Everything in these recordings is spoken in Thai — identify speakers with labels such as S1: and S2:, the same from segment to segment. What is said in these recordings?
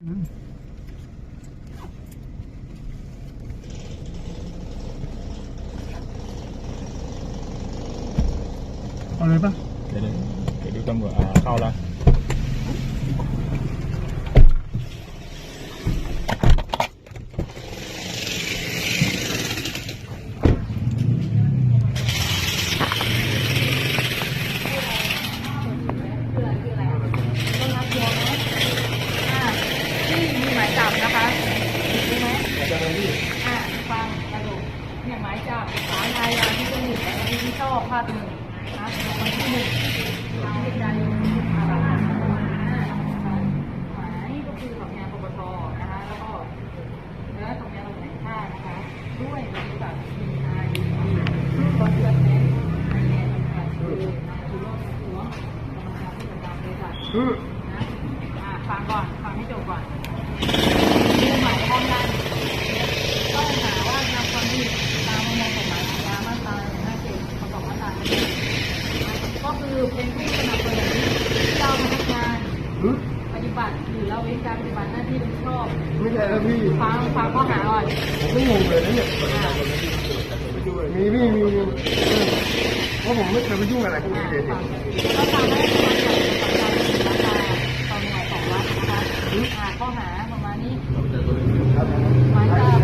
S1: เอาเลยปะ
S2: เดี๋ยวดูตำรวจเข้าแล้ว
S3: หมายจับนะคะรู้ไหมฟังกระดูกเนี่ยหมายจับศาลอาญาที่1และที่ชอบภาค 1นะวันที่1ทางวิจารณ์หมายก็คือสำนักงานปปชนะคะแล้วก็สำนักงานตำรวจแห่งชาตินะคะด้วยบริษัท PID บริษัทแบงก์ในสังกัดคือนายชูโรจน์หัวกรรมการผู้จัดการบริษัทนะฟังก่อนฟังให้จบก่อนหมายความว่าก็หาว่าทำความผิดตามประมวลกฎหมายอาญามาตรา157ประกอบมาตราก็คือเป็นผู้สนับสนุนเจ้าพนักงานปฏิบัติหรือละเว้นการปฏิบัติหน้าที่โดยชอบ
S1: ไม่ใช่แล้วพี่
S3: ฟังข้อหาก่อน
S1: ผมไม่งงเลยนะเนี่ยมีเพราะผมไม่เคยไปยุ่งอะไรพวกนี้เลย
S3: ก็ทำให้การจับราคาตอนหน่วย2 วัดนะคะข้อหาประมาณนี้หมายจับ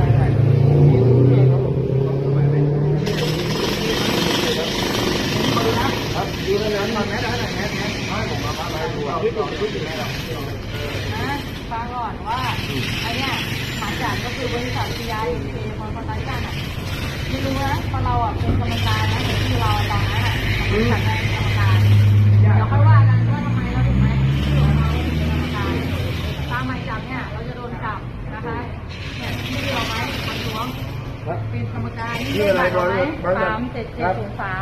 S1: ดูแล้วนั้นมันแม้ได้ไหนแม้ให้ผมมาอะไรดูเอาที่ตัวที่ไหนหรอก
S3: ฟังก่อนว่าไอ้เนี่ยหมายจับก็คือบริษัท PID คนคนนั้นกันไม่รู้นะเพราะเราเป็นกรรมการนะที่เราตอนนั้นเป็นกรรมการเดี๋ยวค่อยว่ากันว่าทำไมเราถึงไม่ที่เราเป็นกรรมการตามหมายจับเนี่ยเราจะโดนจับนะคะเนี่ยที่เราไหมทำล้วงเป็นกรรมการที่อะไรก่อน37703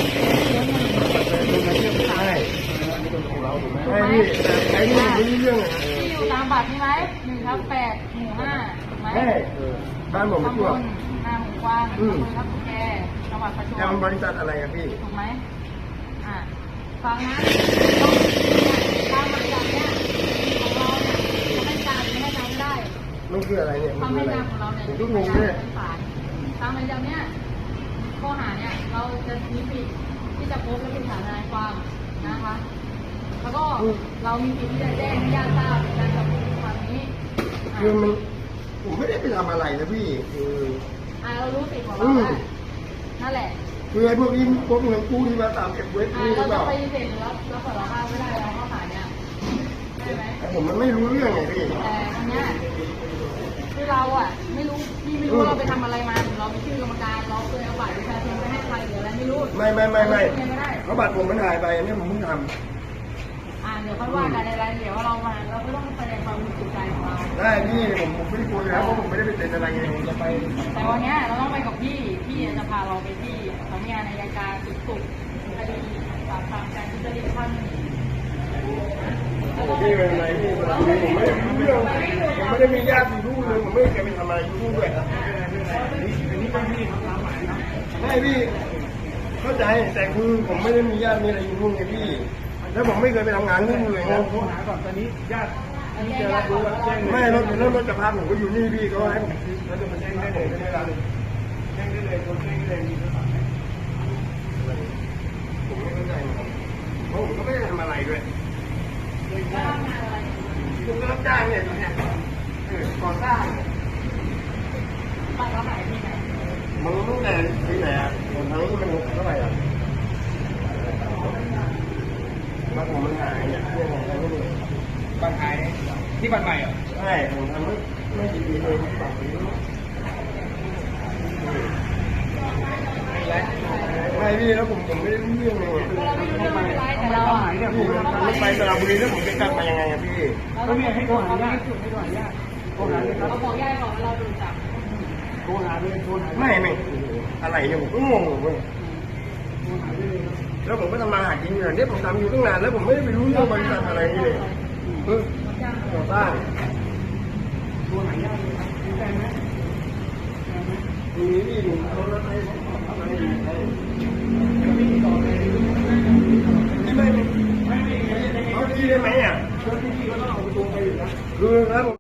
S1: ใช่ไอ้นี่ไอ้นี่ไม่รู้เรื่อง
S3: ที่อยู่ตามบัตรนี่ไหม1/8 หมู่ 5ไหม
S1: บ้านผมไม่ทั่ว
S3: นาหมู่กว้างอำเภอทับแกจังหวัดประจวบ
S1: แต่มันบริษัทอะไรครับพี่
S3: ถูกไหมฟังนะตามหมายจับเนี่ยของเราเนี่ยจะให้การไม่ให้การไม่ได้
S1: มันคืออะไรเนี่ย
S3: ความให้การของเราเนี่ย
S1: ทุกงงเนี่ย
S3: ตามหมายจับเนี่ยข้อหาเนี่ยเราจะมีสิทธิ์ที่จะพบและเป็นฐานทนายความนะคะแล้วก็เรามีสิทธิ์ที่จะแจ้งให้ญาติทราบในการจับกุมความนี้
S1: คือมันผมไม่ได้ไปทำอะไรนะพี่
S3: เรารู้สิทธิ์ของเรานั่นแหละ
S1: คือไอ้พวกนี้พวกเงินกู้ที่มาตามเก็บเว็บนี่หรือเปล่า
S3: เราจะไปเซ็นแล้วสารภาพไม่ได้เราข้อหาเนี่ยใช่ไหม
S1: ผมมันไม่รู้เรื่องไงพี่
S3: แต่อันเนี้ยคือเราไม่รู้พี่ไม่รู้เราไปทำอะไรมาเราไม่ชื่อกรรมการเราเคยเอาบัตรประชาชนไปให้ใครหรืออะไรไม่รู้
S1: ไม่เพราะบัตรผมมันหายไปอันนี้ผมเพิ่งทำ
S3: เดี๋ยวค่อยว่ากันในรายละเอียดว่าเรามาเราก็ต้องแสดงความบริสุทธิ์ใจของเรา
S1: ได้พี่ผมไม่ได้กลัวแล้วเพราะผมไม่ได้ไปเซ็นอะไรไงผมจะไป
S3: แต่วันนี้เราต้องไปกับพี่จะพาเราไปที่สำนักงานอัยการสุดคดีปราบปรามการทุจริตขั้น
S1: พี่เป็นอะไรพี่ผมไม่ได้รู้เรื่องผมไม่ได้มีญาติอยู่ด้วยเลยผมไม่เคยไปทำอะไรอยู่ด้วยอันนี้ก็พี่ทำตามหมายนะไม่พี่เข้าใจแต่คือผมไม่ได้มีญาติมีอะไรอยู่ด้วยไงพี่แล้วผมไม่เคยไปทำงานที่นู่นเลยนะโทรหาก่อนตอนนี้ญาติจะรับรู้ว่าแจ้งไม่รถจะพาผมก็อยู่นี่พี่เขาให้ผมแล้วจะมาแจ้งได้เลยไม่ได้เลยแจ้งได้เลยคนแจ้งได้เลยมีโทรศัพท์ผมไม่เข้าใจเพราะผมก็ไม่ได้ทำอะไรด้วยคุณก็รับจ้างเนี่ยก่อสร้าง
S3: บ้านเราหายที่ไหน
S1: มันรู้แต่ที่ไหนผมทั้งนี้มันเท่าไหร่บ้านผมมันหายเนี่ย
S2: บ้านหายที่บ้านใหม่เหรอ
S1: ใช่ผมทำไม่กี่ปีเลยฝั่งนี้ไม่พี่แล้วผมไม่ได้รู้เรื่องเลย
S3: แต่เรา
S1: พี่มันไปสระบุรีแล้วผมจะกลับมายังไงอะพี่
S3: ก็ไม่ให้โทรหาญาติเราบอกญาติก่อนว่าเราโดนจับ
S1: โทรหาเลยไม่อะไรเนี่ยผมก็งงเลยแล้วผมก็ทำมาหากินอย่างนี้ผมทำอยู่ตั้งนานแล้วผมไม่ได้ไปรู้เรื่องบริษัทอะไรนี่เลยก่อสร้างตัวไหนยากเลยแพงไหมมีนี่ดูเขาแล้วให้อะไรไม่เขาที่ได้ไหมอ่ะที่ก็ต้องเอาตัวไปอยู่นะคือครับ